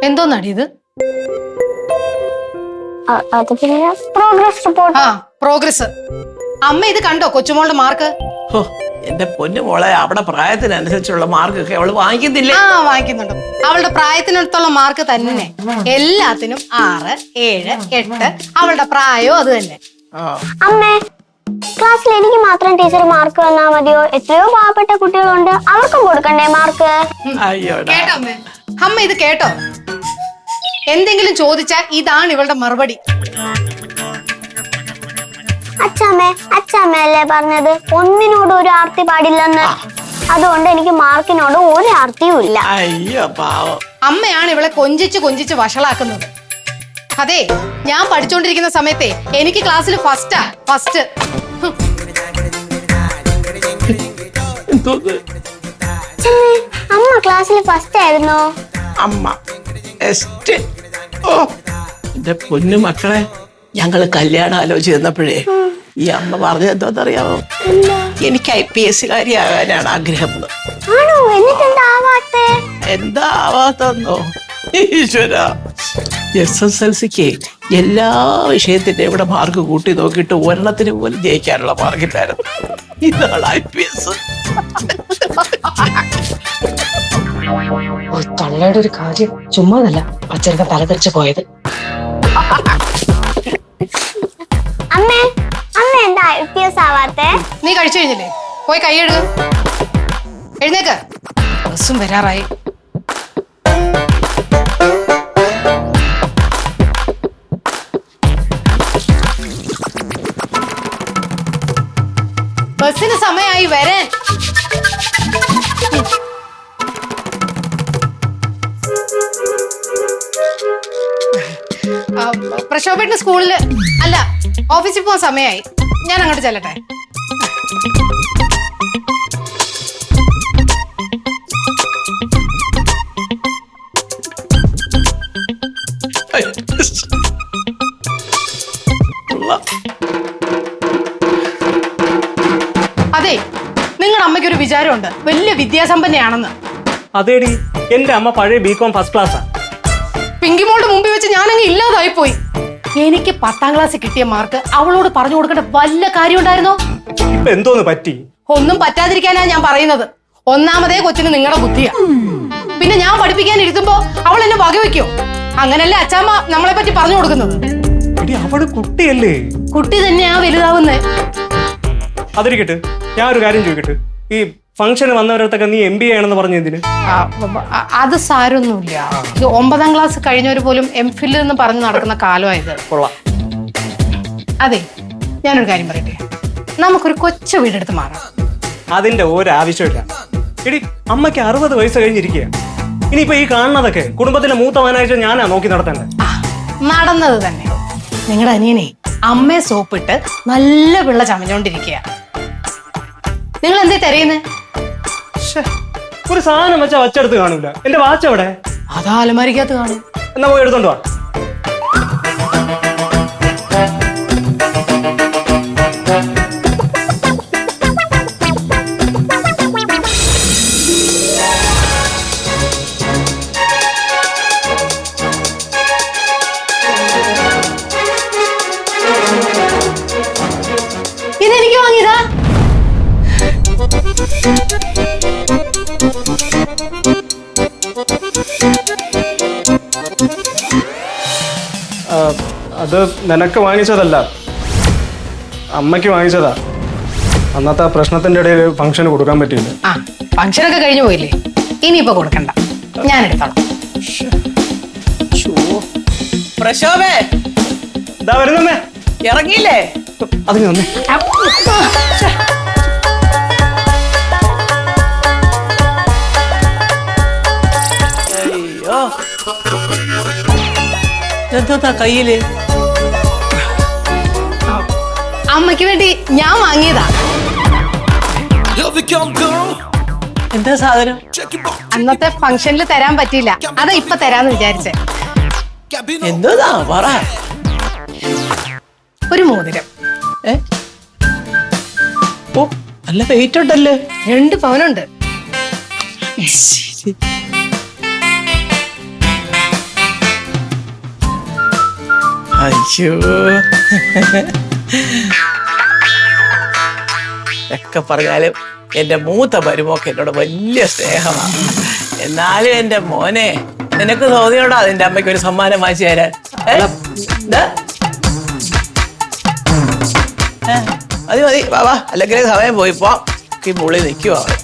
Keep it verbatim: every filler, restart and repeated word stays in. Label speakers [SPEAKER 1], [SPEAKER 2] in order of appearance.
[SPEAKER 1] എന്തോന്നാടി ഇത്?
[SPEAKER 2] Progress report.
[SPEAKER 1] ആ progress. അമ്മ ഇത് കണ്ടോ കൊച്ചുമോളുടെ മാർക്ക്?
[SPEAKER 3] എന്റെ പൊന്നു മോളെ, അവിടെ പ്രായത്തിനനുസരിച്ചുള്ള മാർക്കൊക്കെ അവള് വാങ്ങിക്കുന്നില്ലേ?
[SPEAKER 1] ആ വാങ്ങിക്കുന്നുണ്ട്. അവളുടെ പ്രായത്തിനടുത്തുള്ള മാർക്ക് തന്നെ. എല്ലാത്തിനും ആറ് ഏഴ് എട്ട്. അവളുടെ പ്രായവും അത് തന്നെ.
[SPEAKER 2] അമ്മേ, ക്ലാസ്സിൽ എനിക്ക് മാത്രം ടീച്ചർ മാർക്ക് തന്നാ മതിയോ? എത്രയോ പാവപ്പെട്ട കുട്ടികളുണ്ട്, അവർക്കും കൊടുക്കണ്ടേ മാർക്ക്?
[SPEAKER 1] കേട്ടോ അമ്മേ? അമ്മ ഇത് കേട്ടോ? എന്തെങ്കിലും ചോദിച്ചാൽ ഇതാണ് ഇവളുടെ മറുപടി.
[SPEAKER 2] അച്ഛമ്മേ, അച്ഛമ്മയല്ലേ പറഞ്ഞത് ഒന്നിനോട് ഒരു ആർത്തി പാടില്ലെന്ന്? അതുകൊണ്ട് എനിക്ക് മാർക്കിനോട് ഒരു ആർത്തിയും ഇല്ല.
[SPEAKER 3] അയ്യോ പാവം.
[SPEAKER 1] അമ്മയാണ് ഇവളെ കൊഞ്ചിച്ച് കൊഞ്ചിച്ച് വഷളാക്കുന്നത്. അതെ, ഞാൻ പഠിച്ചോണ്ടിരിക്കുന്ന സമയത്തെ എനിക്ക് ക്ലാസ്സിൽ ഫസ്റ്റാ ഫസ്റ്റ്.
[SPEAKER 2] അമ്മ ക്ലാസ്സിൽ ഫസ്റ്റ് ആയിരുന്നോ?
[SPEAKER 3] അമ്മ ഓ എന്റെ പൊന്നു മക്കളെ, ഞങ്ങള് കല്യാണം ആലോചിച്ച് ചെന്നപ്പോഴേ ഈ അമ്മ പറഞ്ഞത് എന്തോന്നറിയാമോ? എനിക്ക് ഐ പി എസ് കാരിയാകാനാണ് ആഗ്രഹം. എന്താ ആവാത്തന്നോ? ഈശ്വര, എസ് എസ് എൽ സിക്ക് എല്ലാ വിഷയത്തിന്റെ ഇവിടെ മാർക്ക് കൂട്ടി നോക്കിയിട്ട് ഒരെണ്ണത്തിന് പോലും ജയിക്കാനുള്ള മാർക്കില്ലായിരുന്നു. ഇതാണ് ഐ പി എസ്.
[SPEAKER 4] ഒരു തള്ളയുടെ ഒരു കാര്യം ചുമ്മാതല്ല അച്ഛനൊക്കെ തലതെറിച്ച് പോയത്.
[SPEAKER 2] അമ്മേ, അമ്മ എന്താ ഐ പി എസ് ആവാത്തെ?
[SPEAKER 1] നീ കഴിച്ചു കഴിഞ്ഞില്ലേ? പോയി കൈ എഴുതുക. എഴുന്നേക്ക്, ബസ്സും വരാറായി. ബസ്സിന് സമയമായി വരാൻ. പ്രശോഭേട്ടന് സ്കൂളില് അല്ല ഓഫീസിൽ പോവാൻ സമയമായി. ഞാൻ അങ്ങോട്ട് ചെല്ലട്ടെ. അതെ, നിങ്ങളുടെ അമ്മയ്ക്കൊരു വിചാരമുണ്ട് വലിയ വിദ്യാസമ്പന്നയാണെന്ന്.
[SPEAKER 5] അതേടി, എന്റെ അമ്മ പഴയ ബികോം ഫസ്റ്റ് ക്ലാസ്സാ.
[SPEAKER 1] പിങ്കിമോളുടെ മുമ്പിൽ വെച്ച് ഞാനങ്ങ് ഇല്ലാതായി പോയി. എനിക്ക് പത്താം ക്ലാസ്സിൽ കിട്ടിയ മാർക്ക് അവളോട് പറഞ്ഞു കൊടുക്കേണ്ട വല്ല കാര്യം ഉണ്ടായിരുന്നോ?
[SPEAKER 5] ഇപ്പൊ എന്തോന്ന് പറ്റി?
[SPEAKER 1] ഒന്നും പറ്റാതിരിക്കാനാ ഞാൻ പറയുന്നത്. ഒന്നാമതേ കൊച്ചിന് നിങ്ങളുടെ ബുദ്ധിയാ. പിന്നെ ഞാൻ പഠിപ്പിക്കാൻ ഇരുത്തുമ്പോ അവൾ എന്നെ വകവെക്കോ? അങ്ങനല്ലേ അച്ചാമ്മ നമ്മളെ പറ്റി പറഞ്ഞു കൊടുക്കുന്നത്?
[SPEAKER 5] അവള് കുട്ടിയല്ലേ?
[SPEAKER 1] കുട്ടി തന്നെയാ വലുതാവുന്നേ.
[SPEAKER 5] അതിരിക്കട്ടെ, ഞാൻ ഒരു കാര്യം ചോദിക്കട്ടെ. ഈ ഫംഗ്ഷന് വന്നവരത്തൊക്കെ നീ എം ബി എ ആണെന്ന് പറഞ്ഞു എന്തിന്?
[SPEAKER 1] അത് സാരൊന്നുമില്ല. ഒമ്പതാം ക്ലാസ് കഴിഞ്ഞവര് പോലും എം ഫിൽ എന്ന് പറഞ്ഞു നടക്കുന്ന കാലമായത്.
[SPEAKER 5] കൊള്ളാം.
[SPEAKER 1] അതെ, ഞാനൊരു കാര്യം പറയട്ടെ, നമുക്കൊരു കൊച്ചു വീടെടുത്ത് മാറാം.
[SPEAKER 5] അതിന്റെ ഒരാവശ്യമില്ല. എടി, അമ്മയ്ക്ക് അറുപത് വയസ്സ് കഴിഞ്ഞിരിക്കുക. ഇനിയിപ്പോ ഈ കാണുന്നതൊക്കെ കുടുംബത്തിന്റെ മൂത്ത മകനായിട്ട് ഞാനാ നോക്കി നടത്തേണ്ടത്.
[SPEAKER 1] നടന്നത് തന്നെ. നിങ്ങളുടെ അനിയനെ അമ്മയെ സോപ്പിട്ട് നല്ല പിള്ള ചമഞ്ഞോണ്ടിരിക്കുക. നിങ്ങൾ എന്തേ തെരയുന്നേ?
[SPEAKER 5] ഒരു സാധനം വെച്ചാ വച്ചെടുത്ത് കാണൂല. എന്റെ വാച്ച് എവിടെ?
[SPEAKER 1] അതാ അലമാരിക്കകത്ത് കാണും.
[SPEAKER 5] എന്നാ പോയി എടുത്തോണ്ട് വാ.
[SPEAKER 1] ഇതെനിക്ക് വാങ്ങിയതാ.
[SPEAKER 5] അത് നിനക്ക് വാങ്ങിച്ചതല്ല, അമ്മയ്ക്ക് വാങ്ങിച്ചതാ. അന്നത്തെ ആ പ്രശ്നത്തിന്റെ ഇടയിൽ ഫംഗ്ഷന് കൊടുക്കാൻ പറ്റിയില്ല.
[SPEAKER 1] ആ ഫംഗ്ഷനൊക്കെ കഴിഞ്ഞു പോയില്ലേ, ഇനിയിപ്പോ കൊടുക്കണ്ട, ഞാൻ എടുത്തോളാം.
[SPEAKER 3] പ്രശോഭേ,
[SPEAKER 5] ഇതാ വരുന്നമ്മേ.
[SPEAKER 3] ഇറങ്ങിയില്ലേ?
[SPEAKER 5] അതിന് വന്നേ.
[SPEAKER 3] അയ്യോ, എന്താ കയ്യില്?
[SPEAKER 1] അമ്മയ്ക്ക് വേണ്ടി ഞാൻ വാങ്ങിയതാ.
[SPEAKER 3] എന്താ സാധനം?
[SPEAKER 1] അന്നത്തെ ഫംഗ്ഷനിൽ തരാൻ പറ്റിയില്ല, അതാ ഇപ്പൊ തരാന്ന് വിചാരിച്ചേ.
[SPEAKER 3] എന്താ പറ?
[SPEAKER 1] ഒരു മോതിരം.
[SPEAKER 3] ഏ, ഓ നല്ല വെയിറ്റ് ഉണ്ടല്ലേ.
[SPEAKER 1] രണ്ട് പവനുണ്ട്.
[SPEAKER 3] അയ്യോ ഒക്കെ പറഞ്ഞാലും എന്റെ മൂത്ത മരുമോക്ക് എന്നോട് വലിയ സ്നേഹമാണ്. എന്നാലും എന്റെ മോനെ നിനക്ക് തോന്നിയോടാ അതിന്റെ അമ്മയ്ക്ക് ഒരു സമ്മാനം വാങ്ങിച്ചു തരാൻ? ഏ? ദാ. ഏ, മതി മതി വാ വാ, അല്ലെങ്കിൽ സമയം പോയിപ്പോ ഈ മുളി നിൽക്കുവാ.